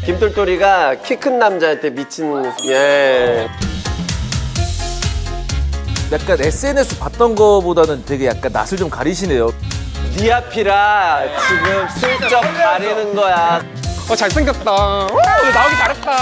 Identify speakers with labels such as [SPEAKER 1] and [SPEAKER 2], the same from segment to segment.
[SPEAKER 1] 김똘똘이가 키 큰 남자한테 미친. 예.
[SPEAKER 2] 약간 SNS 봤던 거보다는 되게 약간 낯을 좀 가리시네요.
[SPEAKER 1] 네 앞이라 지금 슬쩍 가리는 거야.
[SPEAKER 3] 잘생겼다. 나오기 잘했다.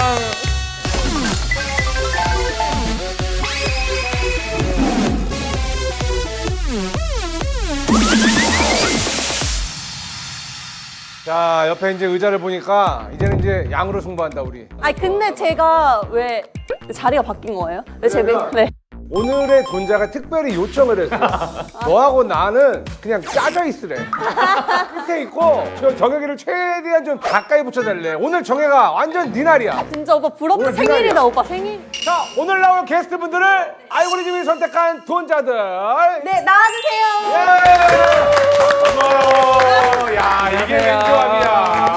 [SPEAKER 4] 자, 옆에 이제 의자를 보니까 이제는 이제 양으로 승부한다 우리.
[SPEAKER 5] 아니 근데 제가 왜 자리가 바뀐 거예요? 왜 제 맨? 네.
[SPEAKER 4] 오늘의 돈자가 특별히 요청을 했어. 너하고 나는 그냥 짜져 있으래. 끝에 있고 저 정혁이를 최대한 좀 가까이 붙여달래. 오늘 정혁아 완전 네 날이야.
[SPEAKER 5] 진짜 오빠 부럽다.
[SPEAKER 4] 오늘
[SPEAKER 5] 생일이다
[SPEAKER 4] 기다려.
[SPEAKER 5] 오빠 생일.
[SPEAKER 4] 자, 오늘 나올 게스트분들을 알고리즘이 선택한 돈자들.
[SPEAKER 5] 네 나와주세요.
[SPEAKER 4] 고마워. 야, 이게 왼조합이야.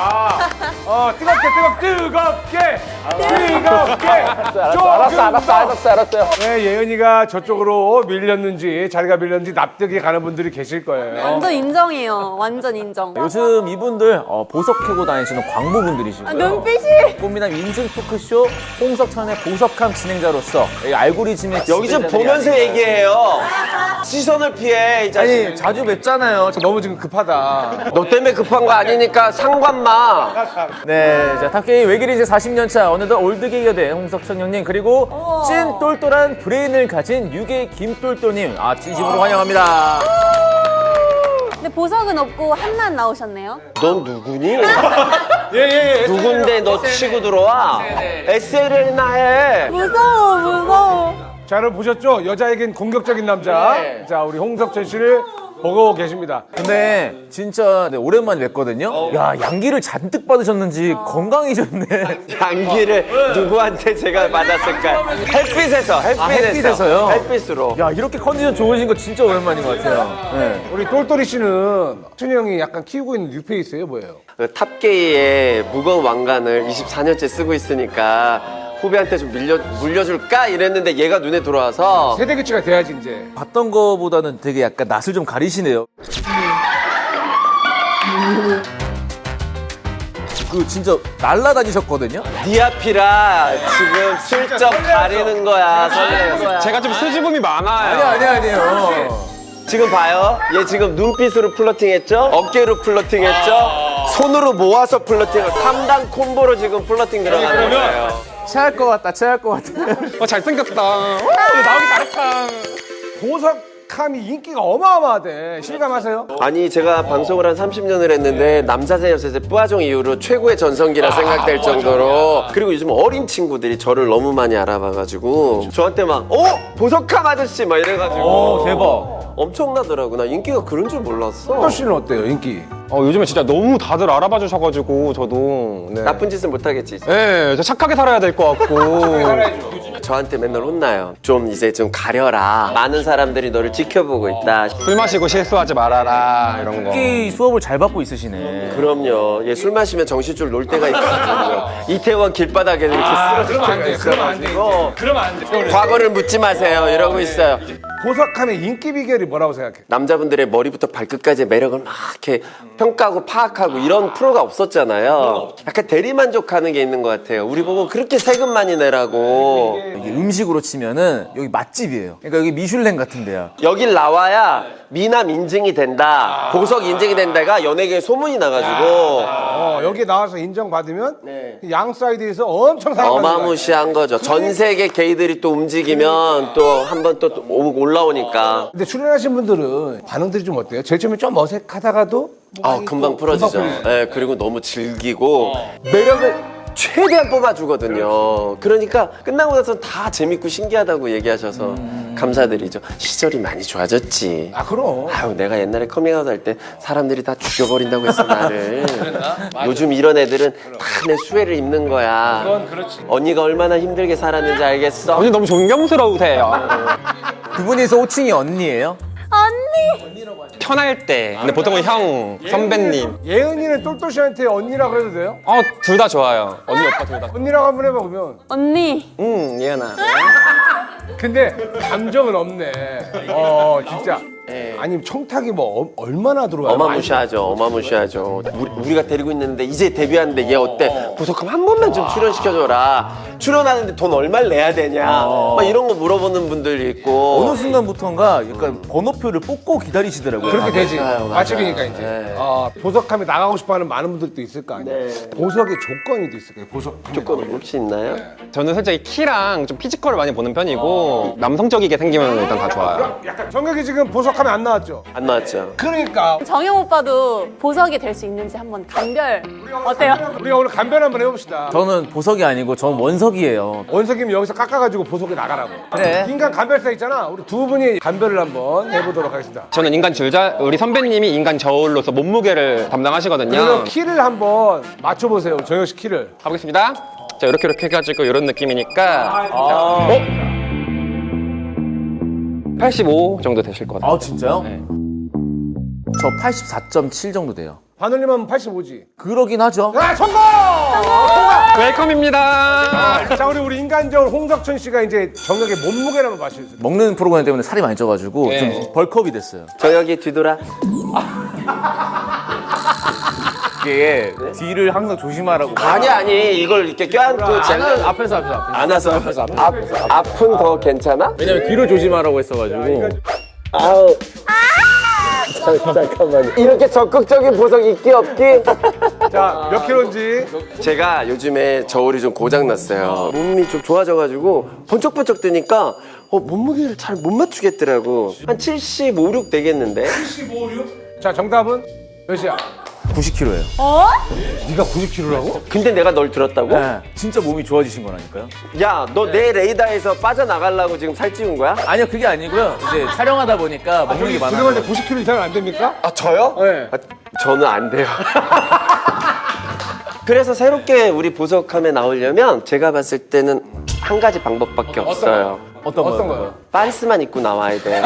[SPEAKER 4] 뜨겁게.
[SPEAKER 1] 알았어요.
[SPEAKER 4] 왜 예은이가 저쪽으로 밀렸는지 자리가 밀렸는지 납득이 가는 분들이 계실 거예요.
[SPEAKER 5] 완전 인정이에요. 완전 인정.
[SPEAKER 2] 요즘 이분들 보석 캐고 다니시는 광부분들이시고요.
[SPEAKER 5] 눈빛이.
[SPEAKER 2] 꽃미남 인증 토크쇼 홍석천의 보석함 진행자로서 이 알고리즘의
[SPEAKER 1] 여기 좀
[SPEAKER 2] 지배자들이
[SPEAKER 1] 보면서
[SPEAKER 2] 아닌가.
[SPEAKER 1] 얘기해요. 시선을 피해 이 자식.
[SPEAKER 2] 아니 자주 뵙잖아요.
[SPEAKER 4] 너무 지금 급하다.
[SPEAKER 1] 너 때문에 급한 거 아니니까 상관 마.
[SPEAKER 2] 네, 자 탑게임 외길이 이제 40년 차 어느덧 올드게이가 된 홍석천 형님 그리고 찐 똘똘한 브레인을 가진 유괴 김똘똘님 진심으로 환영합니다.
[SPEAKER 5] 근데 보석은 없고 한난 나오셨네요.
[SPEAKER 1] 넌 누구니?
[SPEAKER 4] 예.
[SPEAKER 1] 누군데 너 치고 들어와? SLL나 해.
[SPEAKER 5] 무서워.
[SPEAKER 4] 자, 여러분 보셨죠? 여자에겐 공격적인 남자. 자, 우리 홍석천 씨를 보고 계십니다.
[SPEAKER 2] 근데 진짜 오랜만에 뵀거든요. 야 양기를 잔뜩 받으셨는지 건강해졌네.
[SPEAKER 1] 양기를 누구한테 제가 받았을까요? 햇빛에서요? 햇빛으로.
[SPEAKER 2] 야 이렇게 컨디션 좋으신 거 진짜 오랜만인 것 같아요. 네.
[SPEAKER 4] 우리 똘똘이 씨는 천이 형이 약간 키우고 있는 뉴페이스예요, 뭐예요?
[SPEAKER 1] 그 탑게이의 무거운 왕관을 24년째 쓰고 있으니까 후배한테 좀 물려줄까 이랬는데 얘가 눈에 들어와서
[SPEAKER 4] 세대 교체가 돼야지 이제.
[SPEAKER 2] 봤던 거보다는 되게 약간 낯을 좀 가리시네요. 그 진짜 날라다니셨거든요.
[SPEAKER 1] 네 앞이라 지금 슬쩍 가리는 거야. 설레는 거야.
[SPEAKER 3] 제가 좀 수줍음이 많아요.
[SPEAKER 2] 아니에요.
[SPEAKER 1] 지금 봐요. 얘 지금 눈빛으로 플러팅했죠? 어깨로 플러팅했죠? 손으로 모아서 플러팅을 3단 콤보로 지금 플러팅 들어가는 거예요.
[SPEAKER 2] 체할 것 같다.
[SPEAKER 3] 잘생겼다. 나오기 잘했다.
[SPEAKER 4] 보석함이 인기가 어마어마하대. 실감하세요?
[SPEAKER 1] 아니 제가 방송을 한 30년을 했는데 남자세 여자세 뿌아종 이후로 최고의 전성기라 생각될 정도로 그리고 요즘 어린 친구들이 저를 너무 많이 알아봐가지고 저한테 막 보석함 아저씨 막 이래가지고
[SPEAKER 2] 대박.
[SPEAKER 1] 엄청나더라고. 나 인기가 그런 줄 몰랐어.
[SPEAKER 4] 똘똘 씨는 어때요, 인기?
[SPEAKER 3] 요즘에 진짜 너무 다들 알아봐 주셔가지고 저도
[SPEAKER 1] 나쁜 짓은 못하겠지.
[SPEAKER 3] 네, 저 착하게 살아야 될 것 같고
[SPEAKER 1] 저한테 맨날 혼나요. 좀 이제 좀 가려라. 많은 사람들이 너를 지켜보고 있다.
[SPEAKER 3] 술 마시고 실수하지 말아라 이런 거.
[SPEAKER 2] 특히 수업을 잘 받고 있으시네.
[SPEAKER 1] 그럼요. 얘 술 마시면 정신줄 놀 때가 있거든요. 이태원 길바닥에 이렇게 쓰러질 때가 있어가지고
[SPEAKER 4] 그러면 안 돼.
[SPEAKER 1] 과거를 묻지 마세요. 이러고 있어요.
[SPEAKER 4] 보석함의 인기 비결이 뭐라고 생각해?
[SPEAKER 1] 남자분들의 머리부터 발끝까지의 매력을 막 이렇게 평가하고 파악하고 이런 프로가 없었잖아요. 약간 대리만족하는 게 있는 것 같아요. 우리 보고 그렇게 세금 많이 내라고.
[SPEAKER 2] 이게 음식으로 치면은 여기 맛집이에요. 그러니까 여기 미슐랭 같은 데야.
[SPEAKER 1] 여길 나와야 미남 인증이 된다. 보석 인증이 된다가 연예계에 소문이 나가지고
[SPEAKER 4] 여기 나와서 인정받으면
[SPEAKER 1] 네.
[SPEAKER 4] 양 사이드에서 엄청 사랑받는 거야.
[SPEAKER 1] 어마무시한 거죠. 전 세계 게이들이 또 움직이면 또 한 번 또 올라오니까.
[SPEAKER 4] 근데 출연하신 분들은 반응들이 좀 어때요? 제일 처음에 좀 어색하다가도
[SPEAKER 1] 금방 풀어지죠. 네, 그리고 너무 즐기고 매력을 최대한 뽑아주거든요. 그러니까 끝나고 나서 다 재밌고 신기하다고 얘기하셔서 감사드리죠. 시절이 많이 좋아졌지.
[SPEAKER 4] 아, 그럼.
[SPEAKER 1] 아유, 내가 옛날에 커밍아웃 할 때 사람들이 다 죽여버린다고 했어, 나를. 요즘 이런 애들은 다 내 수혜를 입는 거야.
[SPEAKER 4] 그건 그렇지.
[SPEAKER 1] 언니가 얼마나 힘들게 살았는지 알겠어?
[SPEAKER 3] 언니 너무 존경스러우세요.
[SPEAKER 2] 두 분이서 호칭이 언니예요?
[SPEAKER 5] 언니.
[SPEAKER 3] 편할 때. 근데 보통은 형, 선배님.
[SPEAKER 4] 예은이는 똘똘 씨한테 언니라고 해도 돼요?
[SPEAKER 3] 둘 다 좋아요. 언니, 오빠 둘 다.
[SPEAKER 4] 언니라고 한번 해봐, 그러면.
[SPEAKER 5] 언니.
[SPEAKER 3] 예은아.
[SPEAKER 4] 근데 감정은 없네. 진짜. 아니면 청탁이 뭐 얼마나 들어와요?
[SPEAKER 1] 어마무시하죠. 어마무시하죠. 우리가 데리고 있는데 이제 데뷔하는데 얘 어때? 보석함 한 번만 좀 출연시켜줘라. 출연하는데 돈 얼마를 내야 되냐? 막 이런 거 물어보는 분들이 있고.
[SPEAKER 2] 어느 순간부터인가 약간 번호표를 뽑고 기다리시더라고요.
[SPEAKER 4] 그렇게 되지.
[SPEAKER 1] 맞아요.
[SPEAKER 4] 맛집이니까 이제.
[SPEAKER 1] 네.
[SPEAKER 4] 보석함에 나가고 싶어하는 많은 분들도 있을 거 아니야.
[SPEAKER 1] 네.
[SPEAKER 4] 보석의 조건이 또 있을 거예요. 보석
[SPEAKER 1] 조건 혹시 있나요?
[SPEAKER 3] 저는 솔직히 키랑 좀 피지컬을 많이 보는 편이고 남성적이게 생기면 일단 다 좋아요.
[SPEAKER 4] 약간 정혁이 지금 보석함에 안 나왔죠?
[SPEAKER 1] 안 나왔죠.
[SPEAKER 4] 그러니까
[SPEAKER 5] 정영 오빠도 보석이 될 수 있는지 한번 감별 어때요?
[SPEAKER 4] 우리가 오늘 간변 한번 해봅시다.
[SPEAKER 2] 저는 보석이 아니고 전 원석이에요.
[SPEAKER 4] 원석이면 여기서 깎아가지고 보석에 나가라고.
[SPEAKER 2] 그래.
[SPEAKER 4] 인간 간별사 있잖아. 우리 두 분이 간별을 한번 해보도록 하겠습니다.
[SPEAKER 3] 저는 인간 줄자, 우리 선배님이 인간 저울로서 몸무게를 담당하시거든요.
[SPEAKER 4] 그러면 키를 한번 맞춰보세요. 정혁 씨 키를.
[SPEAKER 3] 가보겠습니다. 자, 이렇게 해가지고 이런 느낌이니까 85 정도 되실 것 같아요.
[SPEAKER 2] 아 진짜요?
[SPEAKER 3] 네.
[SPEAKER 2] 저 84.7 정도 돼요.
[SPEAKER 4] 바늘님 하면 85지.
[SPEAKER 2] 그러긴 하죠.
[SPEAKER 4] 아, 성공!
[SPEAKER 3] 웰컴입니다.
[SPEAKER 4] 자, 우리 인간저울 홍석천 씨가 이제 정혁의 몸무게를 한번 맞춰주세요.
[SPEAKER 2] 먹는 프로그램 때문에 살이 많이 쪄가지고
[SPEAKER 3] 네.
[SPEAKER 2] 좀 벌크업이 됐어요.
[SPEAKER 1] 정혁이 뒤돌아.
[SPEAKER 2] 이게 뒤를 항상 조심하라고.
[SPEAKER 1] 아니 이걸 이렇게 껴안고 제가
[SPEAKER 2] 앞에서.
[SPEAKER 1] 안아서 앞은 더 괜찮아?
[SPEAKER 2] 왜냐면 뒤를 조심하라고 했어가지고.
[SPEAKER 1] 아우. 잠깐만요. 이렇게 적극적인 보석 있기 없기?
[SPEAKER 4] 자, 몇 킬로인지.
[SPEAKER 1] 제가 요즘에 저울이 좀 고장났어요. 몸이 좀 좋아져가지고 번쩍번쩍 뜨니까 몸무게를 잘 못 맞추겠더라고. 한 75, 6 되겠는데?
[SPEAKER 4] 75, 6? 자, 정답은 몇이야?
[SPEAKER 2] 90kg예요.
[SPEAKER 5] 어?
[SPEAKER 4] 네가 90킬로라고?
[SPEAKER 1] 근데 내가 널 들었다고?
[SPEAKER 2] 네. 진짜 몸이 좋아지신 거라니까요.
[SPEAKER 1] 야, 너 내 레이더에서 빠져나가려고 지금 살찌운 거야?
[SPEAKER 2] 아니요 그게 아니고요. 이제 촬영하다 보니까 먹는 게 많아요.
[SPEAKER 4] 그동안 90킬로 이상은 안 됩니까?
[SPEAKER 1] 아, 저요?
[SPEAKER 4] 네.
[SPEAKER 1] 저는 안 돼요. 그래서 새롭게 우리 보석함에 나오려면 제가 봤을 때는 한 가지 방법밖에 없어요.
[SPEAKER 2] 어떤
[SPEAKER 4] 어떤
[SPEAKER 2] 거요?
[SPEAKER 4] 거요?
[SPEAKER 1] 빤스만 입고 나와야 돼.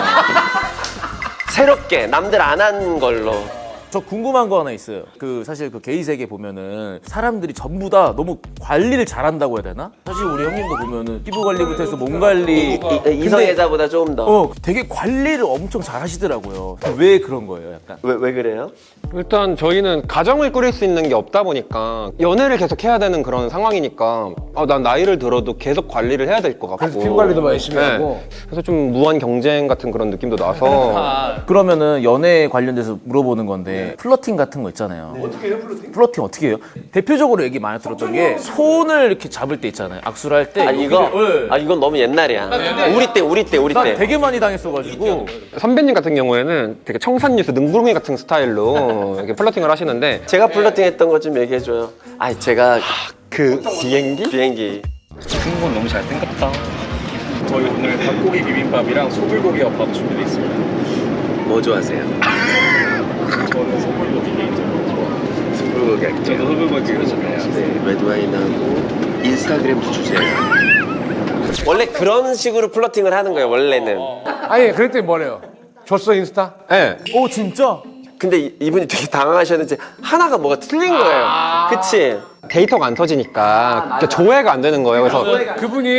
[SPEAKER 1] 새롭게 남들 안 한 걸로.
[SPEAKER 2] 저 궁금한 거 하나 있어요. 사실 게이 세계 보면은 사람들이 전부 다 너무 관리를 잘한다고 해야 되나? 사실 우리 형님도 보면은 피부 관리부터 해서 몸 관리.
[SPEAKER 1] 이성 애자보다 조금 더.
[SPEAKER 2] 되게 관리를 엄청 잘 하시더라고요. 왜 그런 거예요, 약간?
[SPEAKER 1] 왜 그래요?
[SPEAKER 3] 일단 저희는 가정을 꾸릴 수 있는 게 없다 보니까 연애를 계속 해야 되는 그런 상황이니까 난 나이를 들어도 계속 관리를 해야 될 것 같고
[SPEAKER 4] 그래서 피부 관리도 더 열심히 하고.
[SPEAKER 3] 그래서 좀 무한 경쟁 같은 그런 느낌도 나서
[SPEAKER 2] 그러면은 연애 관련돼서 물어보는 건데 플러팅 같은 거 있잖아요.
[SPEAKER 4] 어떻게 해요, 플러팅?
[SPEAKER 2] 플러팅 어떻게 해요? 대표적으로 얘기 많이 들었던 게 손을 이렇게 잡을 때 있잖아요. 악수를 할 때.
[SPEAKER 1] 이건 너무 옛날이야. 우리 때.
[SPEAKER 2] 되게 많이 당했어가지고.
[SPEAKER 3] 선배님 같은 경우에는 되게 청산유수 능구렁이 같은 스타일로 이렇게 플러팅을 하시는데
[SPEAKER 1] 제가 플러팅했던 거 좀 얘기해줘요. 제가
[SPEAKER 3] 그 비행기?
[SPEAKER 6] 승무원 너무 잘생겼다. 저희 오늘 닭고기 비빔밥이랑 소불고기 밥 준비되어 있습니다.
[SPEAKER 1] 뭐 좋아하세요?
[SPEAKER 6] 저는 소불고기 개인적으로 좋아해요.
[SPEAKER 1] 소불고기 할게요.
[SPEAKER 6] 저도 소불고기 요즘에요.
[SPEAKER 1] 네, 레드와인하고 인스타그램도 주세요. 원래 그런 식으로 플러팅을 하는 거예요, 원래는.
[SPEAKER 4] 아니, 그랬더니 뭐래요? 줬어, 인스타?
[SPEAKER 3] 네.
[SPEAKER 2] 오 진짜?
[SPEAKER 1] 근데 이분이 되게 당황하셨는지 하나가 뭐가 틀린 거예요. 그치?
[SPEAKER 3] 데이터가 안 터지니까 조회가 안 되는 거예요. 그래서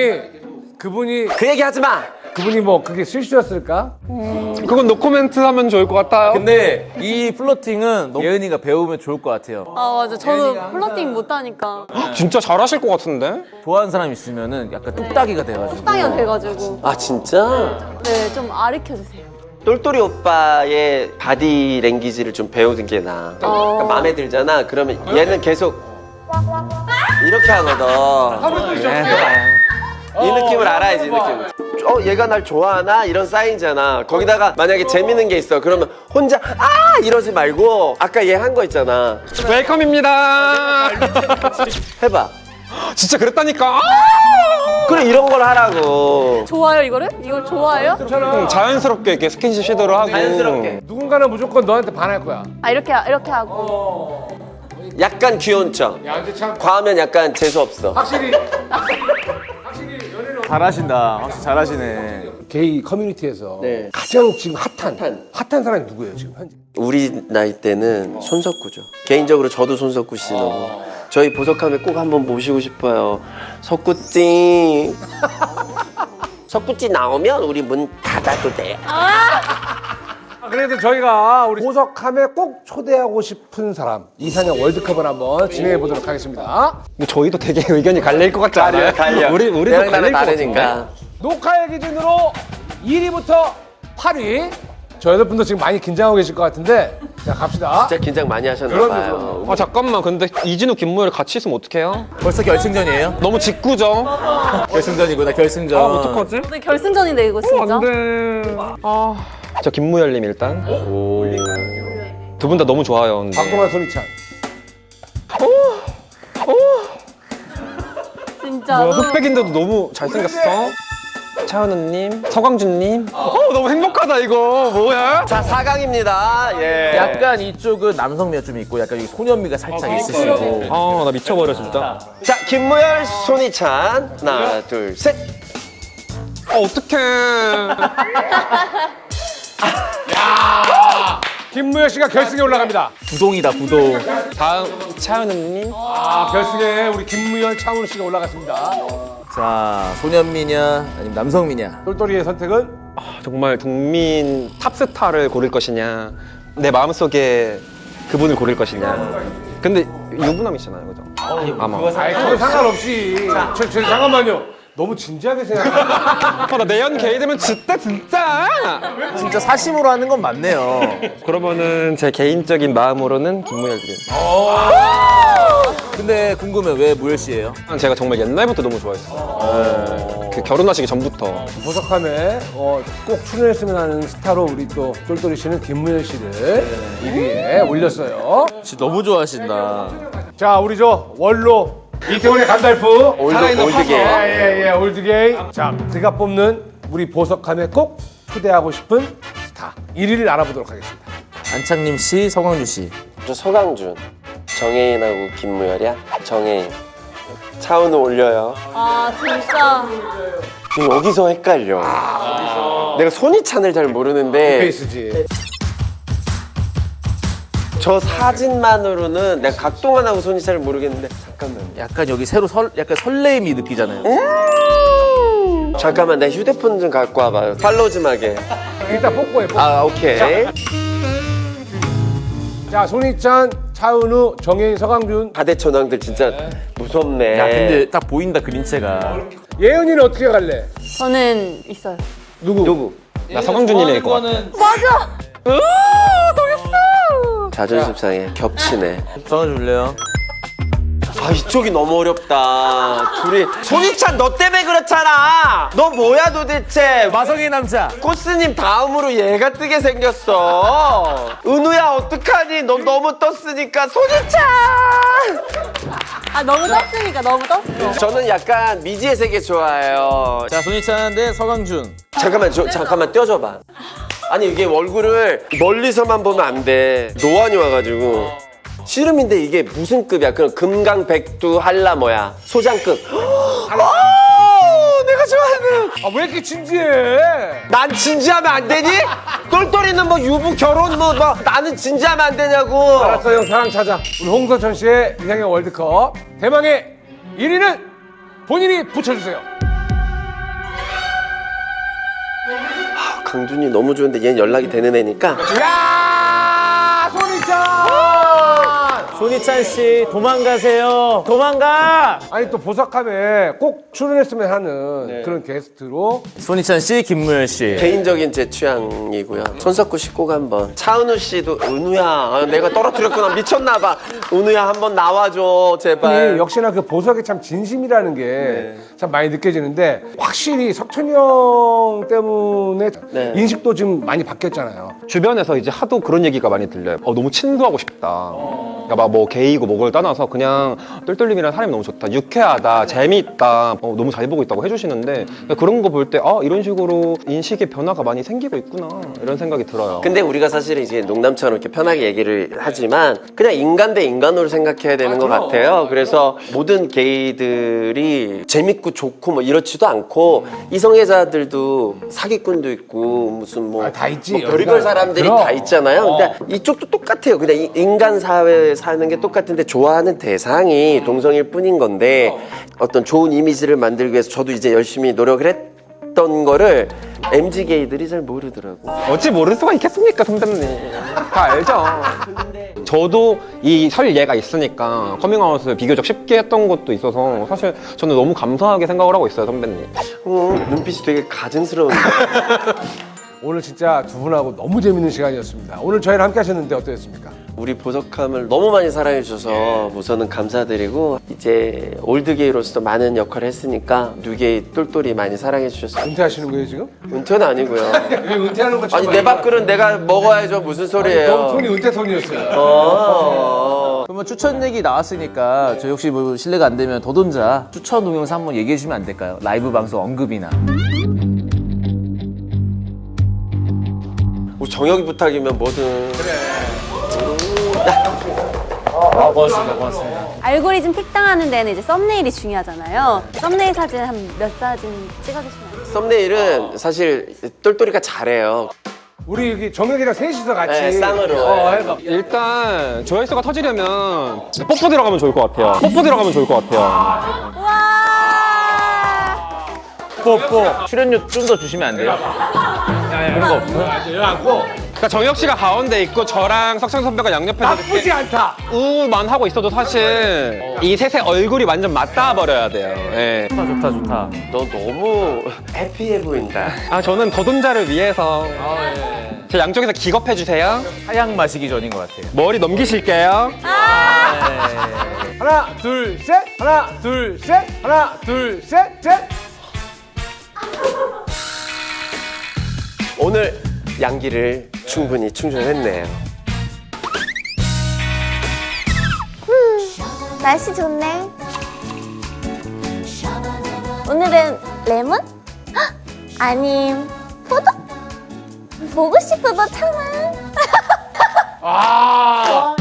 [SPEAKER 4] 그분이
[SPEAKER 1] 그 얘기 하지 마!
[SPEAKER 4] 그분이 뭐 그게 실수였을까?
[SPEAKER 3] 그건 노코멘트 하면 좋을 것 같아요.
[SPEAKER 2] 근데 이 플러팅은 예은이가 배우면 좋을 것 같아요.
[SPEAKER 5] 아 맞아. 저도 플러팅 못하니까
[SPEAKER 3] 진짜 잘하실 것 같은데?
[SPEAKER 2] 좋아하는 사람 있으면은 약간 뚝딱이가 돼가지고.
[SPEAKER 5] 땅이가 돼가지고
[SPEAKER 1] 아, 진짜?
[SPEAKER 5] 네 좀 아르켜 주세요.
[SPEAKER 1] 똘똘이 오빠의 바디 랭귀지를 좀 배우는 게 나아. 그러니까 마음에 들잖아. 그러면 얘는 계속 이렇게 하거든. 이 느낌을 알아야지, 이 느낌. 얘가 날 좋아하나? 이런 사인이잖아. 거기다가 만약에 재밌는 게 있어. 그러면 혼자 이러지 말고 아까 얘 한 거 있잖아.
[SPEAKER 3] 웰컴입니다.
[SPEAKER 1] 해봐.
[SPEAKER 3] 진짜 그랬다니까.
[SPEAKER 1] 그래, 이런 걸 하라고.
[SPEAKER 5] 좋아요 이거를? 이걸 좋아해요?
[SPEAKER 3] 자연스럽게 이렇게 스킨십 시도를 하고.
[SPEAKER 1] 자연스럽게.
[SPEAKER 4] 누군가는 무조건 너한테 반할 거야.
[SPEAKER 5] 아 이렇게 하고
[SPEAKER 1] 약간 귀여운 척.
[SPEAKER 4] 야, 근데 참
[SPEAKER 1] 과하면 약간 재수없어.
[SPEAKER 4] 확실히
[SPEAKER 2] 잘하신다. 확실히 잘하시네.
[SPEAKER 4] 게이 커뮤니티에서
[SPEAKER 1] 네.
[SPEAKER 4] 가장 지금 핫한 사람이 누구예요, 지금 현재?
[SPEAKER 1] 우리 나이 때는 손석구죠. 개인적으로 저도 손석구 씨 너무. 저희 보석함에 꼭 한번 모시고 싶어요. 석구찡. 석구찡 나오면 우리 문 닫아도 돼요.
[SPEAKER 4] 그래도 저희가 우리 보석함에 꼭 초대하고 싶은 사람 이상형 월드컵을 한번 진행해 보도록 하겠습니다.
[SPEAKER 3] 근데 저희도 되게 의견이 갈릴 것 같지 않아요? 우리도
[SPEAKER 1] 내랑 나랑
[SPEAKER 3] 갈릴 것 같은데.
[SPEAKER 1] 다르니까.
[SPEAKER 4] 녹화일 기준으로 1위부터 8위. 저 여덟분도 지금 많이 긴장하고 계실 것 같은데 자 갑시다.
[SPEAKER 1] 진짜 긴장 많이 하셨나
[SPEAKER 4] 그럼요,
[SPEAKER 1] 봐요.
[SPEAKER 4] 그럼요.
[SPEAKER 3] 아 잠깐만 근데 이진우 김무열 같이 있으면 어떡해요?
[SPEAKER 2] 벌써 결승전이에요?
[SPEAKER 3] 너무 직구죠?
[SPEAKER 2] 결승전이구나, 결승전.
[SPEAKER 3] 어떡하지?
[SPEAKER 5] 근데 결승전인데 이거 진짜.
[SPEAKER 3] 안돼. 저 김무열님 일단. 두 분 다 너무 좋아요. 근데.
[SPEAKER 4] 박동환 손희찬.
[SPEAKER 5] 진짜.
[SPEAKER 3] 뭐야, 흑백인데도 너무 잘생겼어. 차은우님, 서광준님. 너무 행복하다 이거. 뭐야?
[SPEAKER 1] 자, 4강입니다. 예.
[SPEAKER 2] 약간 이쪽은 남성미가 좀 있고 약간 여기 소년미가 살짝 있으시고.
[SPEAKER 3] 나 미쳐버려 진짜.
[SPEAKER 1] 자, 김무열, 손희찬. 하나, 둘, 셋.
[SPEAKER 3] 어떡해.
[SPEAKER 4] 김무열 씨가 결승에 올라갑니다.
[SPEAKER 2] 부동이다, 부동.
[SPEAKER 3] 다음 차은우님.
[SPEAKER 4] 결승에 우리 김무열 차은우 씨가 올라갔습니다.
[SPEAKER 2] 자, 소년미냐, 아니면 남성미냐.
[SPEAKER 4] 똘똘이의 선택은
[SPEAKER 3] 정말 국민 탑스타를 고를 것이냐, 내 마음속에 그분을 고를 것이냐. 근데 유부남이잖아요, 그죠? 아마.
[SPEAKER 4] 아이 그건 상관없이. 저 잠깐만요. 너무 진지하게 생각하는.
[SPEAKER 3] 나 내연 게이 되면 진짜 진짜.
[SPEAKER 2] 진짜 사심으로 하는 건 맞네요.
[SPEAKER 3] 그러면은 제 개인적인 마음으로는 김무열님.
[SPEAKER 2] 근데 궁금해, 왜 무열 씨예요?
[SPEAKER 3] 제가 정말 옛날부터 너무 좋아했어요. 그 결혼하시기 전부터.
[SPEAKER 4] 보석함에 꼭 출연했으면 하는 스타로 우리 또 똘똘이 씨는 김무열 씨를 1위에 올렸어요.
[SPEAKER 2] 진짜 너무 좋아하신다.
[SPEAKER 4] 자 우리 저 원로 이태원의 간달프 살아있는
[SPEAKER 1] 올드게이.
[SPEAKER 4] 예, 올드게이. 자 제가 뽑는 우리 보석함에 꼭 초대하고 싶은 스타 1위를 알아보도록 하겠습니다.
[SPEAKER 2] 안창림 씨, 서광주 씨.
[SPEAKER 1] 저 서강준. 정혜인하고 김무열이야? 정혜인. 차은우 올려요.
[SPEAKER 5] 아 진짜.
[SPEAKER 1] 지금 여기서 헷갈려. 내가 손희찬을 잘 모르는데
[SPEAKER 4] 페이스지.
[SPEAKER 1] 저 사진만으로는 내가 각동환하고 손희찬을 모르겠는데 잠깐만.
[SPEAKER 2] 약간 여기 새로 약간 설레임이 느끼잖아요.
[SPEAKER 1] 잠깐만 내 휴대폰 좀 갖고 와봐요. 팔로우 좀 하게.
[SPEAKER 4] 일단 뽀뽀해. 뽀뽀.
[SPEAKER 1] 아 오케이.
[SPEAKER 4] 자 손희찬, 차은우, 정혜인, 서강준.
[SPEAKER 1] 가대천왕들 진짜 무섭네.
[SPEAKER 2] 야, 근데 딱 보인다, 그림체가.
[SPEAKER 4] 예은이는 어떻게 갈래?
[SPEAKER 5] 저는 있어요.
[SPEAKER 1] 누구?
[SPEAKER 3] 나 서광준님일 것 같아.
[SPEAKER 5] 맞아.
[SPEAKER 1] 자존심 상해. 겹치네.
[SPEAKER 2] 서광주 줄래요?
[SPEAKER 1] 아 이쪽이 너무 어렵다. 둘이 손희찬 너 때문에 그렇잖아. 너 뭐야 도대체.
[SPEAKER 2] 마성의 남자.
[SPEAKER 1] 코스님 다음으로 얘가 뜨게 생겼어. 은우야 어떡하니? 너 너무 떴으니까 손희찬.
[SPEAKER 5] 아 너무 떴으니까 너무 떴어.
[SPEAKER 1] 저는 약간 미지의 세계 좋아해요.
[SPEAKER 2] 자, 손희찬 대 서광준.
[SPEAKER 1] 잠깐만 떼어줘봐. 아니 이게 얼굴을 멀리서만 보면 안 돼. 노안이 와가지고 씨름인데 이게 무슨 급이야? 그럼 금강백두 한라 뭐야? 소장급. 내가 좋아하는.
[SPEAKER 4] 아 왜 이렇게 진지해?
[SPEAKER 1] 난 진지하면 안 되니? 똘똘이는 뭐 유부 결혼 뭐 나는 진지하면 안 되냐고.
[SPEAKER 4] 알았어 형 사랑 찾아. 우리 홍서천 씨의 이상형 월드컵 대망의 1위는 본인이 붙여주세요.
[SPEAKER 1] 강준이 너무 좋은데 얘는 연락이 되는 애니까.
[SPEAKER 4] 야 손희찬.
[SPEAKER 2] 손희찬 씨, 도망가세요. 도망가!
[SPEAKER 4] 아니 또 보석함에 꼭 출연했으면 하는 그런 게스트로
[SPEAKER 2] 손희찬 씨, 김무열 씨.
[SPEAKER 1] 개인적인 제 취향이고요. 손석구 씨 꼭 한번. 차은우 씨도 은우야. 아, 내가 떨어뜨렸구나. 미쳤나봐. 은우야 한번 나와줘 제발.
[SPEAKER 4] 역시나 그 보석에 참 진심이라는 게 참 많이 느껴지는데 확실히 석천이 형 때문에
[SPEAKER 1] 네.
[SPEAKER 4] 인식도 지금 많이 바뀌었잖아요.
[SPEAKER 3] 주변에서 이제 하도 그런 얘기가 많이 들려요. 너무 친구하고 싶다. 그러니까 막 뭐 게이고 뭐를 떠나서 그냥 똘똘님이랑 사람이 너무 좋다. 유쾌하다. 재미있다. 너무 잘 보고 있다고 해주시는데 그런 거 볼 때 이런 식으로 인식의 변화가 많이 생기고 있구나. 이런 생각이 들어요.
[SPEAKER 1] 근데 우리가 사실 이제 농담처럼 이렇게 편하게 얘기를 하지만 그냥 인간 대 인간으로 생각해야 되는 것 같아요. 그래서 모든 게이들이 재밌고 좋고 뭐 이렇지도 않고 이성애자들도 사기꾼도 있고 무슨 뭐,
[SPEAKER 4] 다 있지,
[SPEAKER 1] 뭐 별의별
[SPEAKER 4] 여기가.
[SPEAKER 1] 사람들이
[SPEAKER 4] 그럼.
[SPEAKER 1] 다 있잖아요. 근데 이쪽도 똑같아요. 그냥 인간 사회에 사는 게 똑같은데 좋아하는 대상이 동성일 뿐인 건데 어떤 좋은 이미지를 만들기 위해서 저도 이제 열심히 노력을 했던 거를 MZ 게이들이 잘 모르더라고.
[SPEAKER 3] 어찌 모를 수가 있겠습니까, 선배님. 다 알죠. 저도 이 설 예가 있으니까 커밍아웃을 비교적 쉽게 했던 것도 있어서 사실 저는 너무 감사하게 생각을 하고 있어요, 선배님.
[SPEAKER 1] 눈빛이 되게 가증스러운데.
[SPEAKER 4] 오늘 진짜 두 분하고 너무 재밌는 시간이었습니다. 오늘 저희랑 함께 하셨는데 어떠셨습니까?
[SPEAKER 1] 우리 보석함을 너무 많이 사랑해 주셔서 우선은 감사드리고 이제 올드게이로서 많은 역할을 했으니까 뉴게이 똘똘이 많이 사랑해 주셨어요.
[SPEAKER 4] 은퇴하시는 거예요 지금?
[SPEAKER 1] 은퇴는 아니고요.
[SPEAKER 4] 왜 은퇴하는 거
[SPEAKER 1] 아니 내 밥그릇 내가 먹어야죠. 무슨 소리예요?
[SPEAKER 4] 너무 톤이 은퇴 톤이었어요.
[SPEAKER 2] 그러면 추천 얘기 나왔으니까 저희 혹시 뭐 실례가 안 되면 더돈자 추천 동영상 한번 얘기해 주시면 안 될까요? 라이브 방송 언급이나.
[SPEAKER 1] 뭐 정혁이 부탁이면 뭐든.
[SPEAKER 2] 고맙습니다.
[SPEAKER 5] 알고리즘 픽 당하는 데는 이제 썸네일이 중요하잖아요. 썸네일 사진 한 몇 사진 찍어주시면 안 돼요?
[SPEAKER 1] 썸네일은 사실 똘똘이가 잘해요.
[SPEAKER 4] 우리 여기 정혁이랑 셋이서 같이
[SPEAKER 1] 네, 쌍으로.
[SPEAKER 4] 해봐.
[SPEAKER 3] 일단 조회수가 터지려면 뽀뽀 들어가면 좋을 것 같아요. 뽀뽀 들어가면 좋을 것 같아요.
[SPEAKER 5] 와.
[SPEAKER 2] 뽀뽀. 출연료 좀 더 주시면 안 돼요? 그런 거 없어?
[SPEAKER 3] 그러니까 정혁 씨가 가운데 있고 저랑 석천 선배가 양옆에서
[SPEAKER 4] 나쁘지 않다.
[SPEAKER 3] 우만 하고 있어도 사실 이 셋의 얼굴이 완전 맞닿아 버려야 돼요. 예.
[SPEAKER 2] 좋다.
[SPEAKER 1] 너 너무 해피해 보인다.
[SPEAKER 3] 아 저는 더돈자를 위해서 제 양쪽에서 기겁해 주세요.
[SPEAKER 2] 하양 마시기 전인 것 같아요.
[SPEAKER 3] 머리 넘기실게요.
[SPEAKER 4] 하나 둘 셋. 하나 둘 셋. 하나 둘 셋. 셋.
[SPEAKER 1] 오늘 양기를 충분히 충전했네요.
[SPEAKER 7] 날씨 좋네. 오늘은 레몬? 헉! 아님 포도? 보고 싶어도 참아.